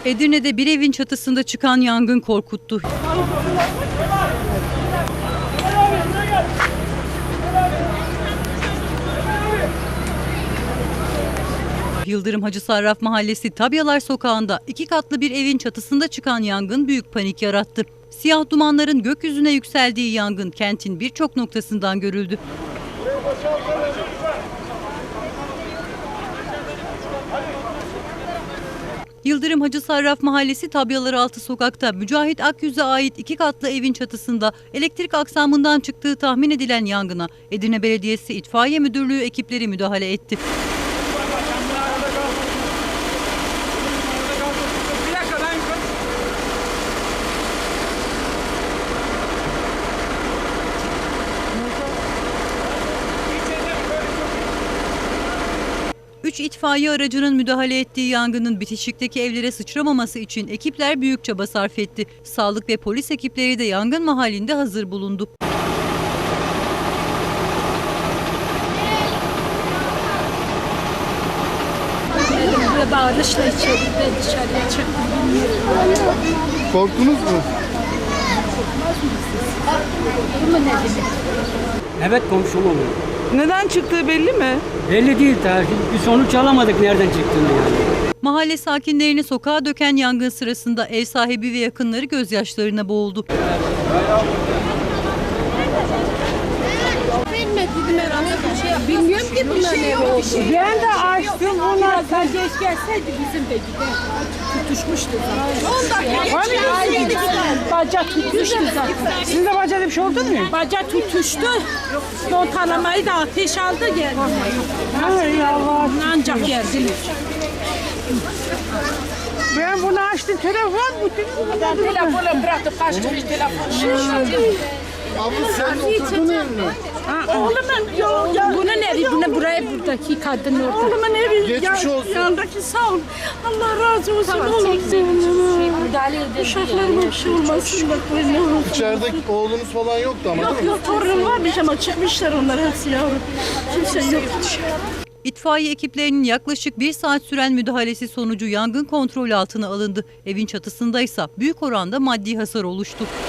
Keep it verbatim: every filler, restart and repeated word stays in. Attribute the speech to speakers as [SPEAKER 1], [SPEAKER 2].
[SPEAKER 1] Edirne'de bir evin çatısında çıkan yangın korkuttu. Yıldırım Hacı Sarraf Mahallesi Tabyalar Sokağı'nda iki katlı bir evin çatısında çıkan yangın büyük panik yarattı. Siyah dumanların gökyüzüne yükseldiği yangın kentin birçok noktasından görüldü. Yıldırım Hacı Sarraf Mahallesi Tabyalaraltı Sokak'ta Mücahit Akyüz'e ait iki katlı evin çatısında elektrik aksamından çıktığı tahmin edilen yangına Edirne Belediyesi İtfaiye Müdürlüğü ekipleri müdahale etti. Üç itfaiye aracının müdahale ettiği yangının bitişikteki evlere sıçramaması için ekipler büyük çaba sarf etti. Sağlık ve polis ekipleri de yangın mahallinde hazır bulundu.
[SPEAKER 2] Böyle bağırışla içeri dışarıya çıktım.
[SPEAKER 3] Korktunuz mu?
[SPEAKER 4] Evet, komşum oluyor.
[SPEAKER 5] Neden çıktığı belli mi?
[SPEAKER 4] Belli değil tabii. Bir sonuç alamadık nereden çıktığını yani.
[SPEAKER 1] Mahalle sakinlerini sokağa döken yangın sırasında ev sahibi ve yakınları gözyaşlarına boğuldu.
[SPEAKER 2] Bilmiyorum ki bunlar ne oldu.
[SPEAKER 5] Ben de açtım bunlar.
[SPEAKER 2] Sen geç gelseydi bizim de gider. Tutuşmuştu zaten. on dakika
[SPEAKER 5] geçti.
[SPEAKER 2] Baca tutuştu zaten.
[SPEAKER 5] Sizin de bacada bir şey oldu mu?
[SPEAKER 2] Baca tutuştu. Montalamayı da ateş aldı geldi.
[SPEAKER 5] Hay Allah.
[SPEAKER 2] Ancak geldiler.
[SPEAKER 5] Ben bunu açtım. Telefon bu.
[SPEAKER 2] Ben telefonu bıraktım. Kaçtım hiç telefonu.
[SPEAKER 3] Abla sen oturduğun ev mi?
[SPEAKER 2] Oğlumun ya, bunun evi, bunu buraya buradaki kadın orada. Oğlumun evi.
[SPEAKER 3] Geçmiş olsun.
[SPEAKER 2] Yanındaki sağ ol. Allah razı olsun. Tamam, oğlum. Müdahale edelim. Uşaklarıma bir şey olmasın da ne olsun.
[SPEAKER 3] İçeride oğlunuz falan yoktu ama
[SPEAKER 2] Yok
[SPEAKER 3] değil mi?
[SPEAKER 2] yok torunum varmış ama çıkmışlar onlar hepsi yavrum. Kimse yok.
[SPEAKER 1] İtfaiye ekiplerinin yaklaşık bir saat süren müdahalesi sonucu yangın kontrol altına alındı. Evin çatısındaysa büyük oranda maddi hasar oluştu.